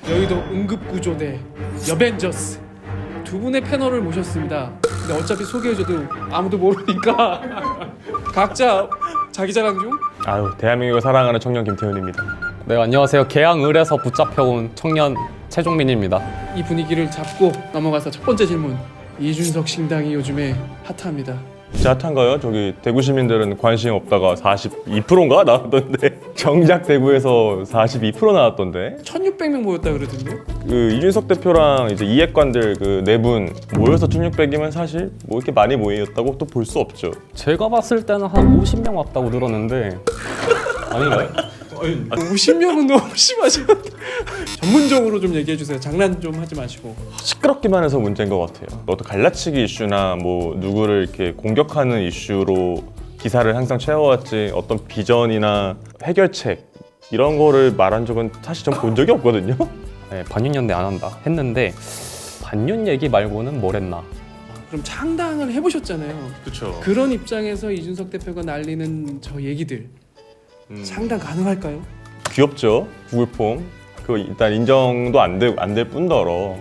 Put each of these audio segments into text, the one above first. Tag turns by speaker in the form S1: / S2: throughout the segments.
S1: 여의도 응급구조대 여벤져스 두 분의 패널을 모셨습니다. 근데 어차피 소개해줘도 아무도 모르니까 각자 자기 자랑 좀.
S2: 아유, 대한민국을 사랑하는 청년 김태훈입니다.
S3: 네, 안녕하세요. 개항을에서 붙잡혀온 청년 최종민입니다.
S1: 이 분위기를 잡고 넘어가서 첫 번째 질문. 이준석 신당이 요즘에 핫합니다.
S2: 진짜 핫한가요? 저기 대구 시민들은 관심 없다가 42%인가 나왔던데 정작 대구에서 42% 나왔던데
S1: 1600명 모였다 그러던데.
S2: 그 이준석 대표랑 이제 이해관들 그 네 분 모여서 1600이면 사실 뭐 이렇게 많이 모였다고 또 볼 수 없죠.
S3: 제가 봤을 때는 한 50명 왔다고 들었는데 아닌가요?
S1: 50명은 너무 심하죠. 전문적으로 좀 얘기해 주세요. 장난 좀 하지 마시고.
S2: 시끄럽기만 해서 문제인 것 같아요. 어떤 갈라치기 이슈나 뭐 누구를 이렇게 공격하는 이슈로 기사를 항상 채워왔지 어떤 비전이나 해결책 이런 거를 말한 적은 사실 전 본 적이 없거든요.
S3: 네, 반윤연대 안 한다 했는데 반윤 얘기 말고는 뭘 했나?
S1: 그럼 창당을 해보셨잖아요.
S2: 그렇죠.
S1: 그런 입장에서 이준석 대표가 날리는 저 얘기들 창당 가능할까요?
S2: 귀엽죠. 구글폼. 그 일단 인정도 안 될 뿐더러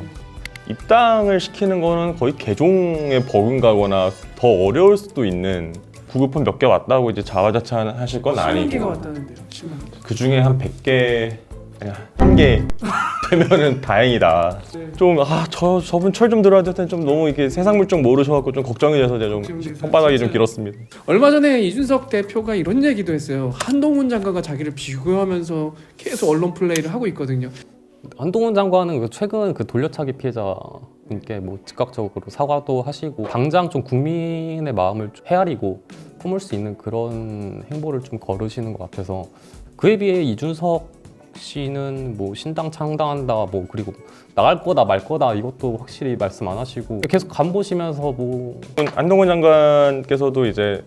S2: 입당을 시키는 거는 거의 개종에 버금가거나 더 어려울 수도 있는 구글폼 몇 개 왔다고 이제 자화자찬하실 건
S1: 10개가
S2: 아니고
S1: 왔다는데요. 10만 원.
S2: 그 중에 한 100개 아니 한 개 되면은 다행이다.
S1: 네.
S2: 좀 저분 철 좀 들어야 될 텐데 좀 너무 이렇게 세상 물정 모르셔갖고 좀 걱정이 돼서 제가 좀
S1: 걱정돼서
S2: 손바닥이
S1: 진짜.
S2: 좀 길었습니다.
S1: 얼마 전에 이준석 대표가 이런 얘기도 했어요. 한동훈 장관과 자기를 비교하면서 계속 언론 플레이를 하고 있거든요.
S3: 한동훈 장관은 최근 그 돌려차기 피해자분께 뭐 즉각적으로 사과도 하시고 당장 좀 국민의 마음을 헤아리고 품을 수 있는 그런 행보를 좀 걸으시는 것 같아서 그에 비해 이준석 씨는 뭐 신당 창당한다 뭐 그리고 나갈 거다 말 거다 이것도 확실히 말씀 안 하시고 계속 간 보시면서 뭐
S2: 한동훈 장관께서도 이제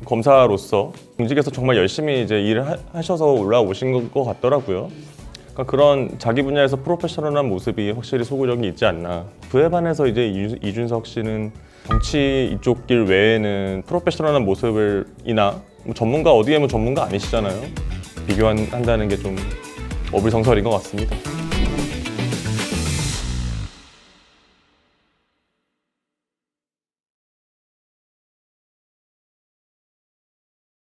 S2: 검사로서 공직에서 정말 열심히 이제 일을 하셔서 올라오신 것 같더라고요. 그러니까 그런 자기 분야에서 프로페셔널한 모습이 확실히 소구력이 있지 않나. 그에 반해서 이제 이준석 씨는 정치 이쪽 길 외에는 프로페셔널한 모습을이나 뭐 전문가 어디에 뭐 전문가 아니시잖아요. 비교한다는 게 좀 어불성설인 것 같습니다.